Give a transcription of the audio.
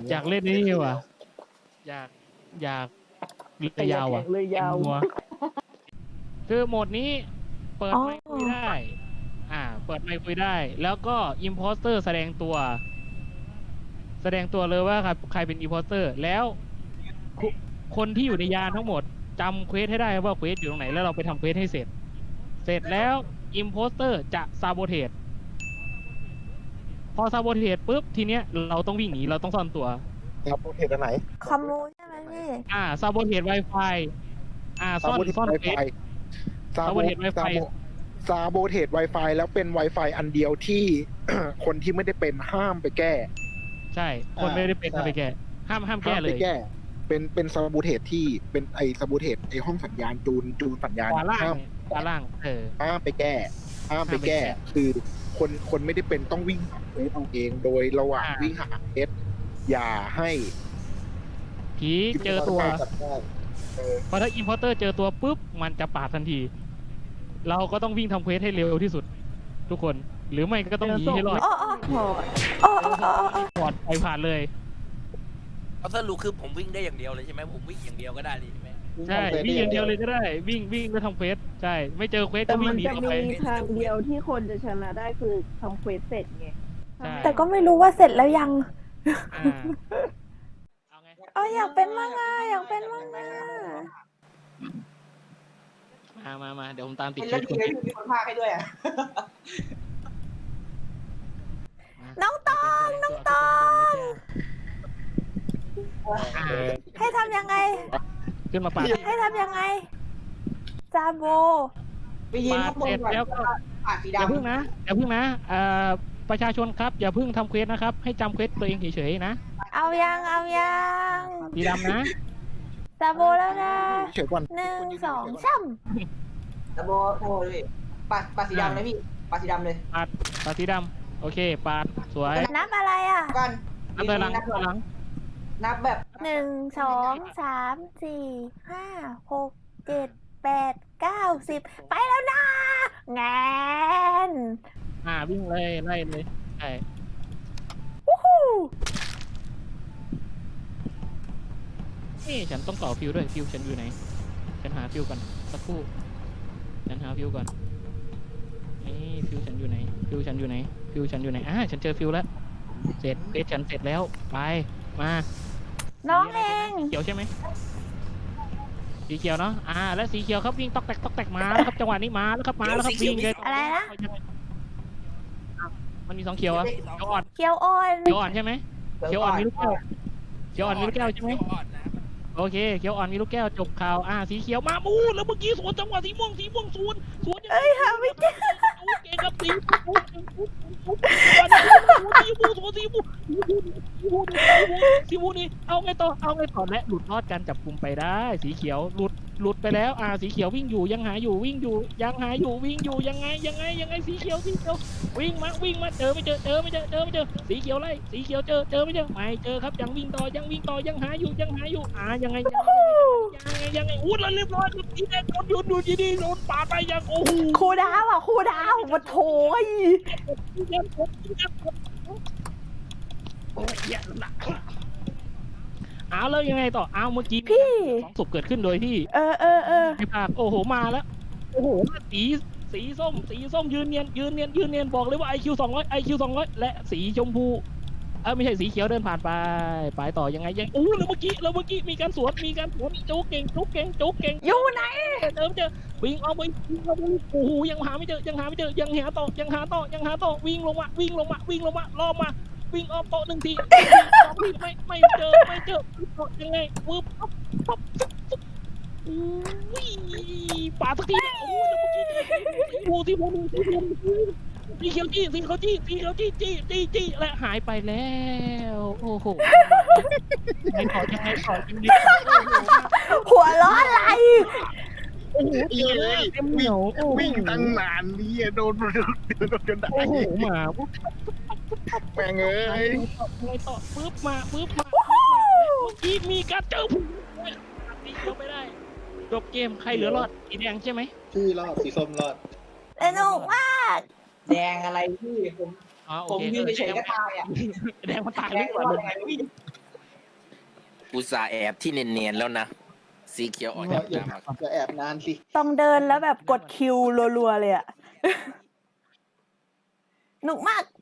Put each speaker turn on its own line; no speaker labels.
อยากเล่นนี่ว่ะอยากเรือยาวอ่ะ
เลยยาว
มัวคือโหมดนี้เปิด
อ๋อ
ไมค์คุยได้ เปิดไมค์คุยได้ แล้วก็อิมโพสเตอร์แสดงตัวเลยว่าใครเป็นอิมโพสเตอร์แล้วคนที่อยู่ในยานทั้งหมดจำเควสให้ได้ว่าเควสอยู่ตรงไหนแล้วเราไปทำเควสให้เสร็จแล้วอิมโพสเตอร์จะซาโบเทสพอซาโบเทสปุ๊บทีเนี้ยเราต้องวิ่งหนีเราต้องซ่อนตัว
ซาโบเทสอันไหน
ขโมยใช่ไหมพี่
ซาโบเทส Wi-Fi ซ่อนเควส
ซาโบเทส
Wi-Fi
ซาโบเทส Wi-Fi แล้วเป็น Wi-Fi อันเดียวที่ คนที่ไม่ได้เป็นห้ามไปแก้
ใช่คนไม่ได้เป็นห้ามไปแก้ห้ามแก้เลย
เป็นซาโบเทสที่เป็นซาโบเทสห้องสัญญาณจูนสัญญาณ
ขวาล่าง
ห้าม ห้ามไปแก้ คือคนไม่ได้เป็นต้องวิ่งหาเควสเอาเอง โดยระหว่างวิ่งหาเควสอย่าให้
ผีเจอตัวพอถ้าอิมพอร์เตอร์เจอตัวปุ๊บมันจะปาดทันที เราก็ต้องวิ่งทำเควสให้เร็วที่สุด ทุกคนหรือไม่ก็ต้องหนีให้รอด
อ๋ออ๋อ
พอ
อ๋ออ๋ออ๋อ
ปลอดไปผ่านเลย
เอาสรุปคือผมวิ่งได้อย่างเดียวเลยใช่ไหมผมวิ่งอย่างเดียวก็ได้เลยใช่ไหม
ใช่วิ่งอย่างเดียวเลยก็ได้วิ่งแล้วทำเควสใช่ไม่เจอเควส
แต่
ก็วิ่
มั
ง
น
หนี
จะ
ต่อไป
มีทางเดียวที่คนจะชนะได้คือทำเควสเสร็จไง
ใช่
แต่ก็ไม่รู้ว่าเสร็จแล้วยัง
อ่าเอาไง
อยากเป็นมั่งอ่ะอยากเป็นมั่งอ่ะ
มาเดี๋ยวผมตามติด
เป็น
เคว
เรื่อ
ส
ง
คน
ที่มีคนพากให้ด้วยอ่ะ
น้องตองให้ทำยังไง
ขึ้นมาปาด
ให้ทำยังไงซาโบ
ไปยืนข้างบนก่อน
แล้วก็
ปากสี
อย่า
ดำ
พึ่งนะประชาชนครับอย่าพึ่งทำเควสนะครับให้จำเควสตัวเองเฉยๆนะ
เอายัง
สีดำนะ
ซาโบแล้วนะ
เฉยก่อน
1 2 3
ตะโบเลยปากสีดำเลยพี่ปากสีดำเลย
ปาดสีดำโอเคปาดสวย
นับอะไรอ่ะ
กัน
นับถอยหลัง
นับแบบ
1 2 3 4 5 6 7 8 9 10ไปแล้วนะงาน
วิ่งเลยไล่เลยใช่
วู้ฮู้
นี่ฉันต้องต่อฟิวด้วยฟิวฉันอยู่ไหนฉันหาฟิวก่อนสักครู่ฉันหาฟิวก่อนนี่ฟิวฉันอยู่ไหนฟิวฉันอยู่ไหนฉันเจอฟิวแล้วเสร็จเควสฉันเสร็จแล้วไปมา
น้องเอง
เขียวใช่ไหมสีเขียวเนาะแล้วสีเขียวครับวิ่งตอกแตกมาแล้วครับจังหวะนี้มาแล้วครับวิ่งเลย
อะไรนะ
มันมี2เขียวอะเขียวอ่อน
เขียวอ่อน
ใช่ไหมเขียวอ่อนมีลูกแก้วใช่ไหมโอเคเขียวอ่อนมีลูกแก้วจบข่าวสีเขียวมามูแล้วเมื่อกี้สวนจังหวะสีม่วงสวน
หาไม่เจอ
เก่งครับสีม่วงนี่เอาไงต่อและหลุดรอดการจับกลุ่มไปได้สีเขียวหลุดไปแล้วสีเขียววิ่งอยู่ยังหาอยู่วิ่งอยู่ยังไงสีเขียววิ่งมาเจอไม่เจอสีเขียวไล่สีเขียวเจอไม่เจอครับยังวิ่งต่อยังหาอยู่ยังไงยังไงอู้แล้วเรียบร้อยสีแดงโดนอยู่ดีโดนปาดไปยังโอ้โห
ครูดาวมาโถย
โอ้ยแย่ละแล้วยังไงต่อเมื่อกี้
พี่
2 ศพเกิดขึ้นโดยที่
ไม่
ภาคโอ้โหมาแล้วโอ้โหสีส้มยืนเนียนบอกเลยว่า IQ 200และสีชมพูไม่ใช่สีเขียวเดินผ่านไปต่อยังไงแล้วเมื่อกี้มีการสวนจุกเก่ง
อยู่ไหน
เดิมเจอวิ่งออกไปโอ้โหยังหาไม่เจอยังหาต่อวิ่งลงมาล่อมาวิ่งออกโต๊ะ1 ทีไม่เจอยังไงปึ๊บอุ้ยป่าสักทีโอ้แล้วเมื่อกี้ที่พูสีเขียวจี้และหายไปแล้วโอ้โหยังไงต่อ
หัวล้ออะไร
โอ้โหเจอเต็มเหนียว
วิ่งตั้งนานนี่โดนจนได้
โอ้โหมา
แม่งเอ้ย
ไงต่อปึ๊บมาเมื่อกี้มีการเจอผู้ตีเขียวไม่ได้จบเกมใครเหลือรอดสีแดงใช่ไหม
พี่รอดสีส้มรอด
สนุกมาก
แดงอะไรพี่ผม
โอ
ผม
เค
ยืนเฉยๆก็ตายอ่ะ
แดงมันตาย
แด
ดี
ง
กว่า
ว่าอะไรพี่
อุตส่าห์แอบที่เนียนๆแล้วนะสีเขียวออกจาก
อย่า
น้ำมา
อย่าแอบนานสิ
ต้องเดินแล้วแบบกดคิวรัวๆเลยอะหนุกมาก